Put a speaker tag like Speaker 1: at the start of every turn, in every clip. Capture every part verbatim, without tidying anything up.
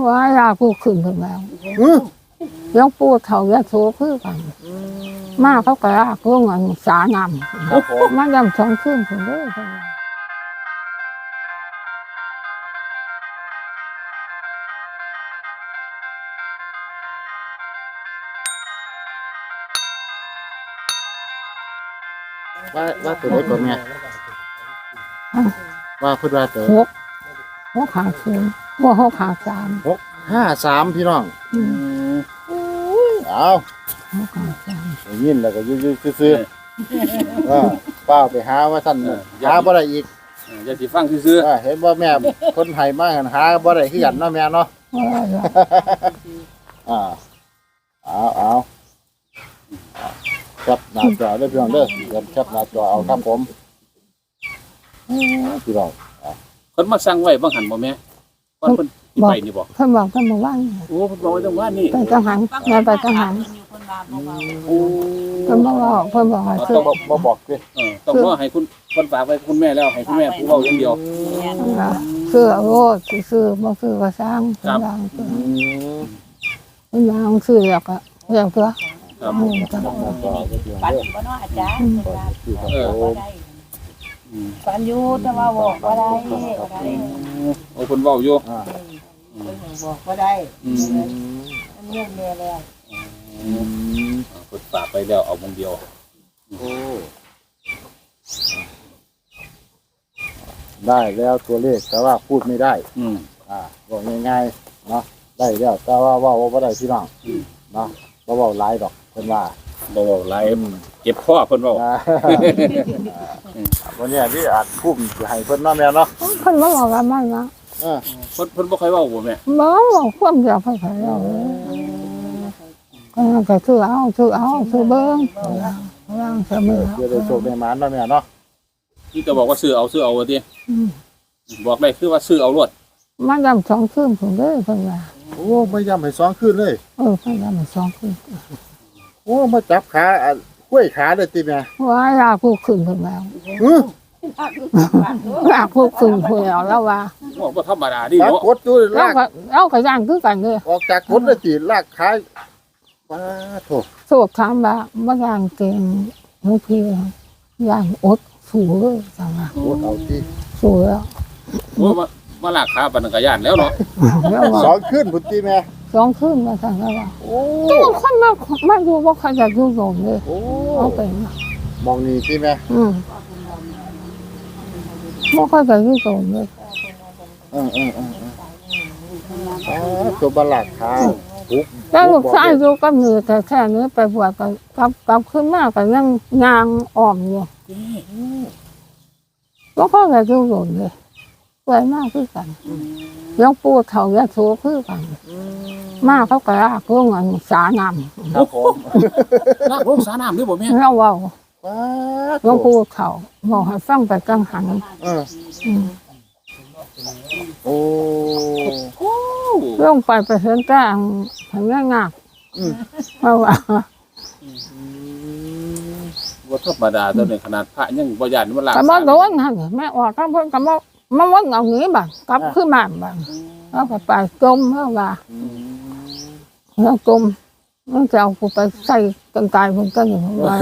Speaker 1: ว่าอยากกูขึ้นถึงแล้วยังปูเถายาโซคือกันมาเขากระลากลงอันสานำมันยำสองขึ้นถึงเลย
Speaker 2: ว่าว่าตัวเล็กกว่าแม่ว่าพูดว่าตัว
Speaker 1: หกหกขาศูนย์ว่าหกขาสาม
Speaker 2: หกห้าสามพี่น้องเอา
Speaker 1: หกขาสาม
Speaker 2: ยินแล้วก็ยืดๆซื้อๆว่าเป้าไปหาว่าท่านหาบ่ได้อีก
Speaker 3: อย่าสิฟังซื่อ
Speaker 2: ๆเห็นว่าแม่คนไทยมากหาบ่ได้คือกันเนาะแม่เนาะอ่าเอาเอาจับหน้าจอได้พี่น้องเด้อเดี๋ยวจับหน้าจอเอาครับผมพี่น้อง
Speaker 3: เพิ่นมาสั่งไว้บ่หันบ่แม่ก่อนเพิ่นไปนี่บ่
Speaker 1: เพิ่นบอกเพิ่นบอกว่า
Speaker 3: โอ้เพิ่นบอกไว้จังว่านี่
Speaker 1: ไปจังหันแม่ไปจังหัน
Speaker 3: โอ้
Speaker 1: เพิ่นบ่บอกเพิ่นบอกให้
Speaker 2: คือบ่บอกสิ
Speaker 3: เออต้องรอให้คุณเพิ่นฝากไว้คุณแม่แล้วให้คุณแม่ผู้เว้าอย่างเดียว
Speaker 1: คือโอ้คือบ่คือก็สร้างเพิ่นวางคือเพิ่นวางคือแล้วก็แล้วก็
Speaker 3: ครับ
Speaker 2: ปัน
Speaker 4: บ่เนาะอาจารย์เออปันอยู่แต่ว่าบอกบ่ได้
Speaker 3: โอ้เพิ่นเว้าอยู่
Speaker 4: อ่าบอกบ่ได้อืมมันเงียบแม่แล้ว
Speaker 3: อืมเพิ่นฝากไปแล้วเอาคนเดียว
Speaker 2: โอ้ได้แล้วตัวเลขแต่ว่าพูดไม่ได้
Speaker 3: อืม
Speaker 2: อ่าบอกง่ายๆเนาะได้แล้วแต่ว่าว่าบ่ได้พี่น้องเนาะบ่เว้าหลายดอกเพิ่นว่า
Speaker 3: บ่เว้าหลายเก็บคอเพิ่นเว้า
Speaker 2: วันนี้ที่อาจพุ่มสิให้เพิ่นเนาะแม่เนาะ
Speaker 1: เพิ่นบ่บอกว่ามันนะ
Speaker 2: เออ
Speaker 3: เพิ่นเพิ่นบ่ค่อยเว้าบ่แม่
Speaker 1: บ่บอกความอยากให้ใครเอาก็ก็คือเอาคือเอาคือเบิ่งวางเสมอ
Speaker 2: เดี๋ยวได้โชคได้หมานเนาะแม่เนาะ
Speaker 3: นี่จะบอกว่าซื้อเอาซื้อเอาว่าติบอกได้คือว่าซื้อเอารวด
Speaker 1: มันยำสองคืนผมเลยเพิ่นว่า
Speaker 2: โอ้ไม่ยำให้สองคืนเลย
Speaker 1: เออเพิ่นยำให้สองคืน
Speaker 2: โอ้มาจับขาห้วยขาได้ติแม่
Speaker 1: ว่าอยากกูขึ้นเพิ่นแล้วอยากกูขึ้นเพิ่นแล้วแล้วว่า
Speaker 3: บ่ธรรมดาดิเนาะ
Speaker 2: กดอยู่ลาก
Speaker 1: เอาก็ย่างคือกันเด้อ
Speaker 2: ออกจากกดได้สิลากขาว้าโธ่
Speaker 1: โสดถามว่าบ่ย่างเก่งบางทีย่างอดสู้เลยจังว่า
Speaker 2: อดเอาที่
Speaker 1: สู้แล้ว
Speaker 3: โอ้มามาลากขาปานนั้นก็ย่านแล้วเนาะ
Speaker 2: สองคืนพุ่นติแม่
Speaker 1: สองคืนมาซั่นแล้วว่าโอ้ก็คนมามาอยู่บ่ค่อยอยากอยู่โรงเลย
Speaker 2: โอ้
Speaker 1: เอาไป
Speaker 2: มองนี่ติแม่
Speaker 1: อืมบ่ค่อยอยากอยู่โรงเลย
Speaker 2: เออๆๆอ๋อตัวบลากขาปุ๊บ
Speaker 1: แล้วลูกชายอยู่กับมือแต่แค่นี้ไปบวชก็กลับกลับขึ้นมาก็ยังยางอ้อมอยู่บ่ค่อยอยากอยู่โรงเลยสวยมากคือกันยังปูเถายาโซคือกันมาเขากระลากลงอันสานำ
Speaker 2: ครับผม
Speaker 3: ลากลงสาน้ำด้วยบ่แม่
Speaker 1: เราเว้ายังปูเถาบอกให้ฟังไปกังหัน
Speaker 2: เออโอ้
Speaker 1: ลงไปไปเห็นแต่เห็นงากเพราะว่า
Speaker 3: บ่ธรรมดาตัวนี้ขนาดพระยังบ่ย่านมันลาก
Speaker 1: ก็บ่โดนหั่นแม่ออกทั้งเพิ่นก็บ่มาวนเอาหนีบัดกลับขึ้นมาบัดแล้วก็ไปจมเฮาว่าแล้วจมมันจะเอากูไปใส่กันตายเพิ่นก็อยู่ว่า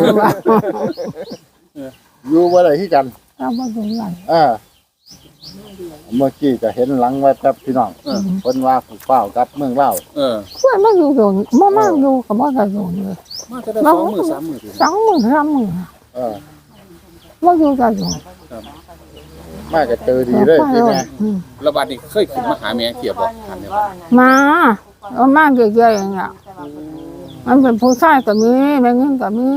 Speaker 2: อยู่บ่ได้คือกัน
Speaker 1: เอาบ่ดูไหล
Speaker 2: เออเมื่อกี้ก็เห็นหลังไว้แป๊บพี่น้องเพิ่นว่าผู้เฝ้ากับเมืองลาว
Speaker 3: เออ
Speaker 1: ค่อยมาอยู่โดนบ่มาอยู่ก็บ่ได้อยู่เลย
Speaker 3: มาจะได้สองมื้อสามมื้อ
Speaker 1: สองมื้อสามมื้อ
Speaker 2: เออ
Speaker 1: บ่อยู่ได้อยู่
Speaker 2: มาก็เจอดีเลยพี่แม่
Speaker 3: แล้วบัดนี้เคยขึ้นมาหาแม่เที่ยวบ่ถามแม่
Speaker 1: มาเอามาเยอะๆอย่างเงี้ยมันเป็นผู้ชายก็มีแม่เงินก็มี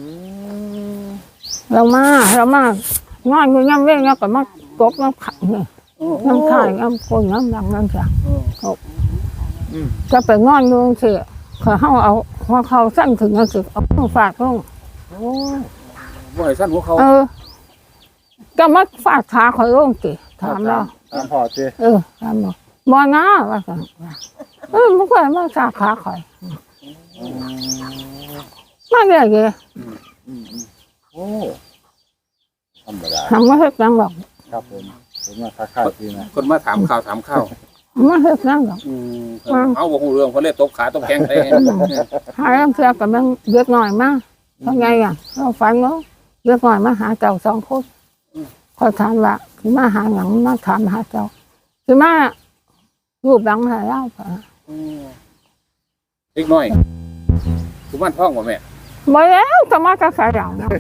Speaker 1: เรามาเรามางอนอยู่ย่ำเว้งแล้วก็มากบน้ำขังนี่น้ำข่ายน้ำคนน้ำดังน้ำจังจะไปงอนดูสิเขาเอาเอาหัวเขาสั้นถึงนั่นสิเอาฝากลง
Speaker 3: โอ้บ่ให้สั้นหัวเขา
Speaker 1: เออก็มาฝากขาคอยลงสิถามเรา
Speaker 2: ถามพ่อสิ
Speaker 1: เออถามบอกบ่นะว่าสั่งเออมันก็มาฝากขาคอยมาเรื่อย
Speaker 2: ๆโอ้ธรรมดา
Speaker 1: ทำมาให้จังบอก
Speaker 2: ครับผมผมมาค้าๆพี่นะ
Speaker 3: คนมาถามข่าวถามข้าว
Speaker 1: มันเฮ็ดนั่นหรอก
Speaker 3: อืมเอาบ่ฮู้เรื่องเพิ่นเลยตบขาตบแข้งใส่
Speaker 1: หาเสื้อกับมันเรียกหน่อยมาเพราะไงอ่ะเราฝันว่าเรียกหน่อยมาหาเจ้าสองคนคอยถามว่าคือมาหาหยังมาถามหาเจ้าคือมารูปหลังหาเล่าป่ะ
Speaker 3: เล็กน้อยกุมารทองบ่แม่
Speaker 1: บ่แล้วจะมากระใส่หลังนะ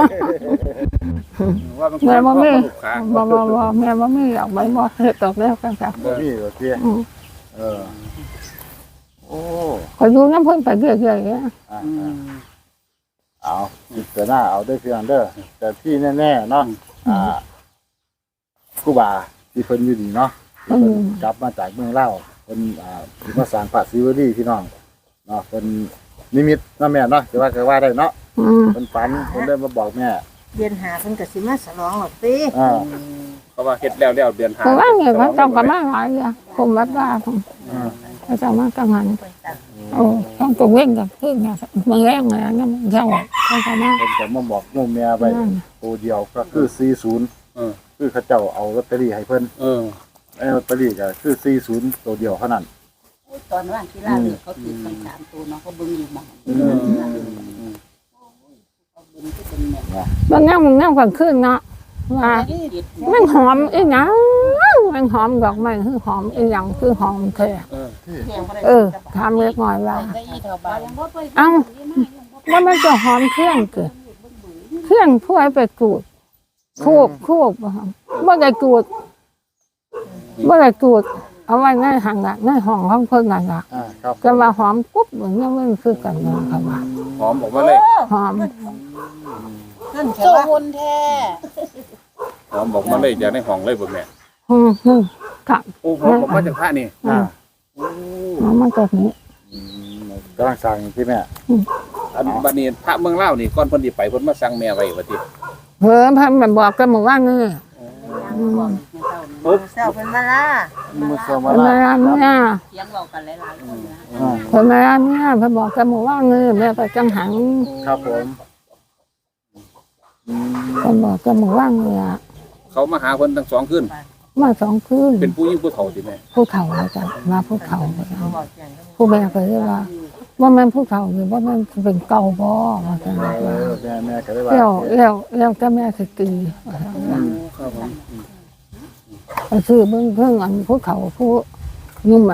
Speaker 3: ว่ามัน
Speaker 1: แม่บ่มี
Speaker 3: ลูกค้า
Speaker 1: บ่บ่บ่แม่บ่มีอยากไปบ่เฮ็ดตกแล้วกันค่ะ
Speaker 2: บ่มีเหรอเตี้ย
Speaker 1: อืม
Speaker 2: เออโอ้
Speaker 1: คอยอยู่น้ำเพิ่นไปเรื่อยๆเนี่ย
Speaker 2: อ่าๆเอาพิจารณาเอาได้เพียงเด้อแต่ที่แน่ๆเนาะอ่าครูบาที่เพิ่นอยู่ดีเนาะที่เพิ่นกลับมาจากเมืองลาวเพิ่นอ่าที่มาสร้างพระศิวลีพี่น้องเนาะเพิ่นนิมิตเนาะแม่เนาะจะว่าก็ว่าได้เนาะ
Speaker 1: อืม
Speaker 2: เพิ่นฝันเพิ่นได้มาบอกแม่
Speaker 4: เดือนหาเพิ่นก็สิมาฉลองหรอกติ
Speaker 2: อ่า
Speaker 3: เขาว่าเฮ็ดแล้วแล้วเดือนห้า
Speaker 1: เพราะว่าไงว่าเจ้าก็มาหลายอ่ะผมวัดว่าผม
Speaker 2: อ่า
Speaker 1: เขาเจ้ามากังหันโอ้ต้องตัวเว้งกับพึ่งเนี่ยมันแรงเลยนั่นเจ้าเขาจะมา
Speaker 2: เพิ่นจะมาบอกโยมแม่ไป
Speaker 1: นั่น
Speaker 2: ตัวเดียวก็คือสี่สิบ
Speaker 3: เออ
Speaker 2: คือเขาเจ้าเอาลอตเตอรี่ให้เพิ่น
Speaker 3: เออ
Speaker 2: ไอ้ลอตเตอรี่ก็คือสี่สิบตัวเดียวเท่านั้น
Speaker 4: ตอนว่างที่ลาเลือกเขาติดกันสามตัวเนาะเขาเบิ่งอยู่หม่อง
Speaker 2: อืม
Speaker 4: เขาเบิ่งที่เป็นแม่
Speaker 1: บางอย่างมันนั่งกลางคืนเนาะว่า
Speaker 4: ติด
Speaker 1: มันหอมอีหยังมันหอมดอกไม้คือหอมอีหยังคือหอมแท้
Speaker 3: เออ
Speaker 1: เออถามเล็กน้อยว่า
Speaker 4: ได้อีเท่าบ้าน
Speaker 1: เอ้าว่ามันจะหอมเที่ยงเกิดเที่ยงผู้ให้ไปกูดคูบคูบว่าได้กูดว่าได้กูดเอาไว้ในหังละในห้องของเพิ่นนั่นละ
Speaker 2: อ่าครับ
Speaker 1: จะมาหอมปุ๊บเหมือนมันคือกันเนาะค่ะว่า
Speaker 3: หอมออกมาเลย
Speaker 1: หอม
Speaker 4: นั่นแค่ว่าคนแท้
Speaker 3: หอมออกมาเลยจากในห้องเลยบ่แม่
Speaker 1: อืมอืมกับ
Speaker 3: โอ้หอมออกมาจากพระนี่
Speaker 1: อ่าหอมมาจากนี้
Speaker 2: อืมกำลังสั่งที่แม่
Speaker 3: อันบัดนี้พระเมืองลาวนี่ก่อนเพิ่นสิไปเพิ่นมาสั่งแม่ไว้ว่าติ
Speaker 1: เพิ่มพันแบบบอกกันหมู่ว่านี่
Speaker 3: ปุ๊บ
Speaker 4: เจ้าเป็นมาล่า
Speaker 2: มือเสมา
Speaker 1: เพิ่น
Speaker 2: ลา
Speaker 1: มาเนี่ย
Speaker 4: เสียงเว้ากันหลายๆคนนะ
Speaker 2: อ่า
Speaker 1: เพิ่นมาเนี่ยเพิ่นบอกกันหมู่ว่านี่แม่ไปจังหัง
Speaker 2: ครับผมอืม
Speaker 1: เพิ่นบอกกันหมู่ว่านี่อ่ะ
Speaker 3: เขามาหาเพิ่นทั้งสองคืน
Speaker 1: มาสองคืน
Speaker 3: เป็นผู้หญิงผู้เฒ่าติแม่
Speaker 1: ผู้เฒ่าแล้วจ้ะมาผู้เฒ่าแล้วจ้ะ
Speaker 4: เขาบอกอย่างนั้น
Speaker 1: ผู้แม่ก็เลยว่าว่ามันผู้เฒ่าหรือว่ามันเป็นเก่าบ่ว่าจัง
Speaker 2: เอ
Speaker 1: ว่า
Speaker 2: อแม่แม่ก็ได้ว่า
Speaker 1: แล้วแล้วแล้วก็แม่สิตีว่าจังว่า
Speaker 3: ครับผม
Speaker 1: ไปซื้อเบิ่งเพิ่งอันผู้เฒ่าผู้นุ่มอ่ะ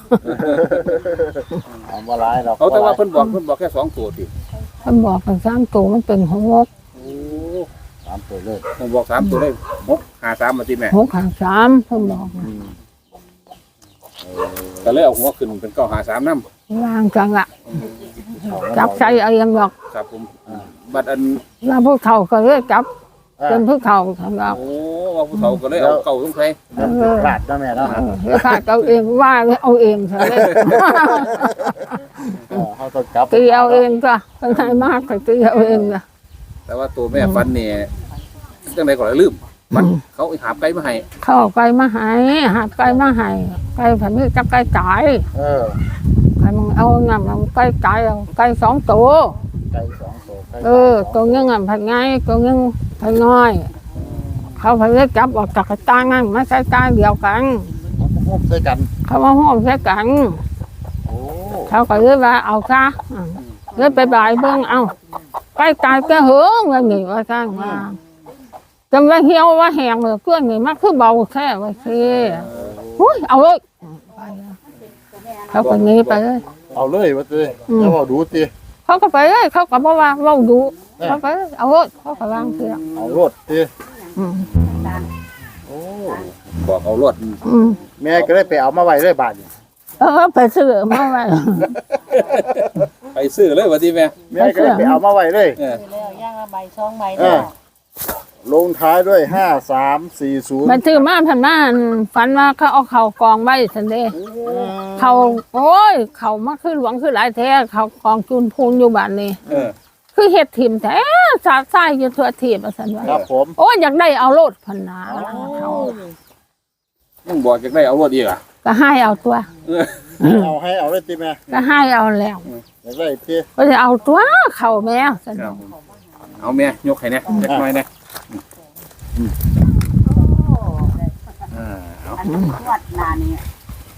Speaker 2: เอามาร้ายเรา
Speaker 3: เอาแต่ว่าเพิ่นบอกเพิ่นบอกแค่สองตัวติ
Speaker 1: เพิ่นบอกกันสามตัวมันเป็นหก
Speaker 3: โอ้
Speaker 2: ตามตัวเลย
Speaker 3: ผมบอกสามตัวเลยหกห้าสามมาติแม่
Speaker 1: หกหางสามเพิ่นบอก
Speaker 2: อืมเออ
Speaker 3: ก็เลยเอาหัวขึ้นเป็นเก้าห้าสามนำ
Speaker 1: วางจังอ่ะ
Speaker 2: เอา
Speaker 1: จับใส่เอาเองหรอก
Speaker 3: ครับผมบัดอัน
Speaker 1: แล้วผู้เฒ่าก็เลยจับ
Speaker 2: อ่า
Speaker 1: เป็นผู้เฒ่าของเรา
Speaker 3: โอ้ว่าผู้เฒ่าก็เลยเอาเก่าลงใส่
Speaker 2: แล้วเป็นพลาดนะแม่เนาะ
Speaker 1: เออแล้วข้าเอาเองว่าเอาเองซะเลย
Speaker 2: เออเขาต้องกลับ
Speaker 1: ตีเอาเองก็เป็นไงมากก็ตีเอาเองก็
Speaker 3: แต่ว่าตัวแม่ฟันนี่จังได๋ก็ลืมมันเขาหาบไก่มาให้
Speaker 1: เข้าไก่มาใหายหาไก่มาใหายไก่ผันนี้จับไก่ตาย
Speaker 2: เออ
Speaker 1: ไก่มึงเอาเงี้ยมันไก่ตายเอาไก่สองตัว
Speaker 2: ไก่สองตัวไก่
Speaker 1: เออตัวเงี้ยผันไงตัวเงี้ยผันน้อย เขาผันนี้จับออกจากกระตางั้นไม่ใช่ตาเดียวกัน
Speaker 2: พบใส่กัน
Speaker 1: เขามาห้อมใส่กัน
Speaker 2: โอ้
Speaker 1: เขาก็เลยว่าเอาซะอ่ะเลยไปบ่ายเบิ่งเอาไก่ตายก็เหืองว่าหนีว่าจ้างมาจำว่าเหี่ยวว่าแหงเลยเพื่อนนี่มันคือเบาแค่ว่าสิหุ้ยเอาเลยไปแล้วเขาก็หนีไปเลย
Speaker 2: เอาเลยว่าตี
Speaker 1: อืม
Speaker 2: แล้วเอาดูตี
Speaker 1: เขาก็ไปเลยเขาก็บอกว่าเว้าดูเขาไปเลยเอาเลยเขาก็วางเสีย
Speaker 2: เอารถตี
Speaker 1: อืม
Speaker 2: โอ้
Speaker 3: บอกเอารถ
Speaker 1: อืม
Speaker 2: แม่ก็ได้ไปเอามาไว้เลยบาทนี่
Speaker 1: เออไปซื้อมาไว้
Speaker 3: ไปซื้อเลยว่าติแม่
Speaker 2: แม่ก็ได้ไปเอามาไว้เลย
Speaker 3: เออ
Speaker 4: คือแล้วย่างละใบสองใบ
Speaker 2: เอ
Speaker 4: เนาะ
Speaker 2: อ ลงท้ายด้วยห้าสามสี่ศูนย์
Speaker 1: มันซื้อมาพันมาฝันว่าเขาเอาเขากองไว้สันเดเขาโอ้ยเขามาคือหลวงคือหลายแท้เขากองจุนพูนอยู่บ้านนี้
Speaker 3: เออ
Speaker 1: คือเห็ดถิ่มแท้สาดไส้อยู่ทั่วทีบสันว่า
Speaker 2: ครับผม
Speaker 1: โอ้ยอยากได้เอาโลดพันนาเขา
Speaker 3: ยังบอกจักได้เอารถอีกอ่ะ
Speaker 1: ก็ให้เอาตัว
Speaker 3: เออ
Speaker 2: เอาให้เอาเลยตีแม่
Speaker 1: ก็ให้เอาแล้ว
Speaker 2: อยากได้ตี
Speaker 1: ก็จะเอาตัวเขาแม่สัน
Speaker 3: ครับเอาแม่ยกให้แน่จักหน่อยแน่อ่าเอา
Speaker 4: อันนี้วัดนานี่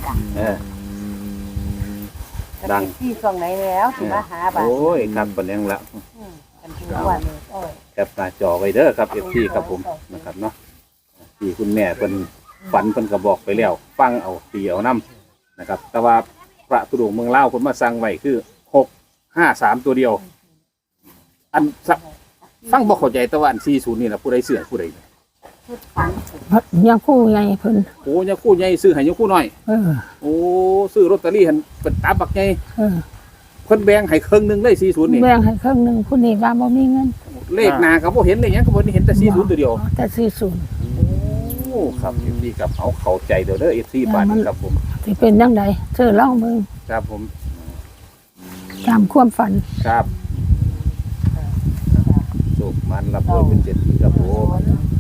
Speaker 3: เออ ดัง
Speaker 4: ที่ช่วงไหนแล้วสิมาหาบาด
Speaker 3: โอ้ยครับปานนี้แล้ว
Speaker 4: อืมกันทุกวันเลยโอ้ย
Speaker 3: แคปหน้าจอไว้เด้อครับ เอฟ ซี ครับผมนะครับเนาะที่คุณแม่เพิ่นฝันเพิ่นก็บอกไปแล้ว ฟังเอาตีเอานํนะครับ แต่ว่าพระตุดงค์เมืองลาวเพิ่นมาสั่งไว้คือหกห้าสามตัวเดียว อันสะฟังบ่เข้าใจแต่ว่าอันสี่สิบนี่ล่ะผู้ใดเสือผู้ใด
Speaker 4: ชุดฝัน
Speaker 1: ยังคู่ไงเพิ่น
Speaker 3: โอ้ยาคู่ใหญ่ซื้อให้ยาคู่น้อย
Speaker 1: เออ
Speaker 3: โอ้ซื้อลอตเตอรี่หั่นเป็นตาบักใหญ่
Speaker 1: เออ
Speaker 3: เพิ่นแบ่งให้ครึ่งหนึงเลยสี่สิบนี่
Speaker 1: แบ่งให้ครึ่งหนึงผู้นี้ว่าบ่มีเงิน
Speaker 3: เลขหน้าก็บ่เห็นเลยหยังก็บ่เห็นแต่สี่สิบตัวเดียว
Speaker 1: แต่สี่สิบ
Speaker 3: โอ้ครับเอฟซีครับเอาเข้าใจเด้อเด้อเอฟซีบาทนี้ครับผม
Speaker 1: สิเป็นจังไดเชื่อเล่ามึง
Speaker 3: ครับผม
Speaker 1: ตามความฝัน
Speaker 3: ครับสุขมันรับโดยเป็นเจ็ดทีครับผม